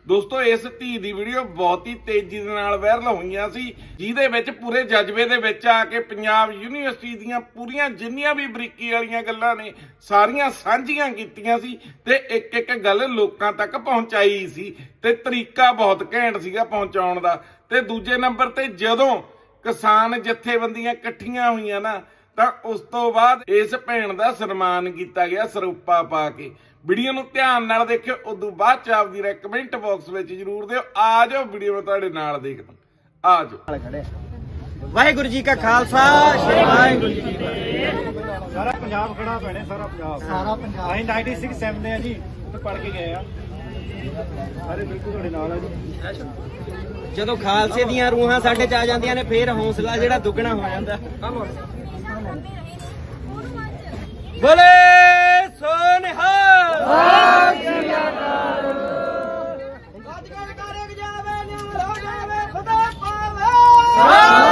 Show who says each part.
Speaker 1: ਦੋਸਤੋ ਇਸ ਧੀ ਦੀ ਵੀਡੀਓ ਬਹੁਤ ਹੀ ਤੇਜ਼ੀ ਦੇ ਨਾਲ ਵਾਇਰਲ ਹੋਈਆਂ ਸੀ, ਜਿਹਦੇ ਵਿੱਚ ਪੂਰੇ ਜਜ਼ਬੇ ਦੇ ਵਿੱਚ ਆ ਕੇ ਪੰਜਾਬ ਯੂਨੀਵਰਸਿਟੀ ਦੀਆਂ ਪੂਰੀਆਂ ਜਿੰਨੀਆਂ ਵੀ ਬਰੀਕੀ ਵਾਲੀਆਂ ਗੱਲਾਂ ਨੇ ਸਾਰੀਆਂ ਸਾਂਝੀਆਂ ਕੀਤੀਆਂ ਸੀ ਤੇ ਇੱਕ ਇੱਕ ਗੱਲ ਲੋਕਾਂ ਤੱਕ ਪਹੁੰਚਾਈ ਸੀ ਤੇ ਤਰੀਕਾ ਬਹੁਤ ਘੈਂਟ ਸੀਗਾ ਪਹੁੰਚਾਉਣ ਦਾ। ਤੇ ਦੂਜੇ ਨੰਬਰ ਤੇ ਜਦੋਂ ਕਿਸਾਨ ਜਥੇਬੰਦੀਆਂ ਇਕੱਠੀਆਂ ਹੋਈਆਂ ਨਾ ਤਾਂ ਉਸ ਤੋਂ ਬਾਅਦ ਇਸ ਭੈਣ ਦਾ ਸਨਮਾਨ ਕੀਤਾ ਗਿਆ ਸਰੂਪਾ ਪਾ ਕੇ। ਵੀਡੀਓ ਨੂੰ ਧਿਆਨ ਨਾਲ ਦੇਖਿਓ, ਉਦੋਂ ਬਾਅਦ ਚ ਆਪਦੀ ਰਾਏ ਕਮੈਂਟ ਬਾਕਸ ਵਿੱਚ ਜ਼ਰੂਰ ਦਿਓ। ਆ ਜਾਓ ਵੀਡੀਓ ਮੈਂ ਤੁਹਾਡੇ ਨਾਲ ਦੇਖਦਾ, ਆ ਜਾਓ।
Speaker 2: ਵਾਹਿਗੁਰੂ ਜੀ ਕਾ ਖਾਲਸਾ, ਸ੍ਰੀ ਵਾਹਿਗੁਰੂ ਜੀ ਕੀ ਫਤਿਹ।
Speaker 3: ਸਾਰਾ ਪੰਜਾਬ ਖੜਾ ਭੈਣੇ, ਸਾਰਾ ਪੰਜਾਬ ਅਸੀਂ 96 ਸੈਮ ਦੇ ਆ ਜੀ, ਉੱਥੇ ਪੜ ਕੇ ਗਏ ਆ ਸਾਰੇ, ਬਿਲਕੁਲ ਤੁਹਾਡੇ ਨਾਲ ਆ ਜੀ।
Speaker 2: ਜਦੋਂ ਖਾਲਸੇ ਦੀਆਂ ਰੂਹਾਂ ਸਾਡੇ ਚ ਆ ਜਾਂਦੀਆਂ ਨੇ ਫੇਰ ਹੌਸਲਾ ਜਿਹੜਾ ਦੁੱਗਣਾ ਹੋ ਜਾਂਦਾ। ਬੋਲੇ ਸੋ ਨਿਹਾਲ। ਅੱਜ ਕੱਲ ਕਰ ਜਾਵੇ ਨਿਹਾਲ ਹੋ ਜਾਵੇ ਖੁਦਾ ਪਾਵੇ।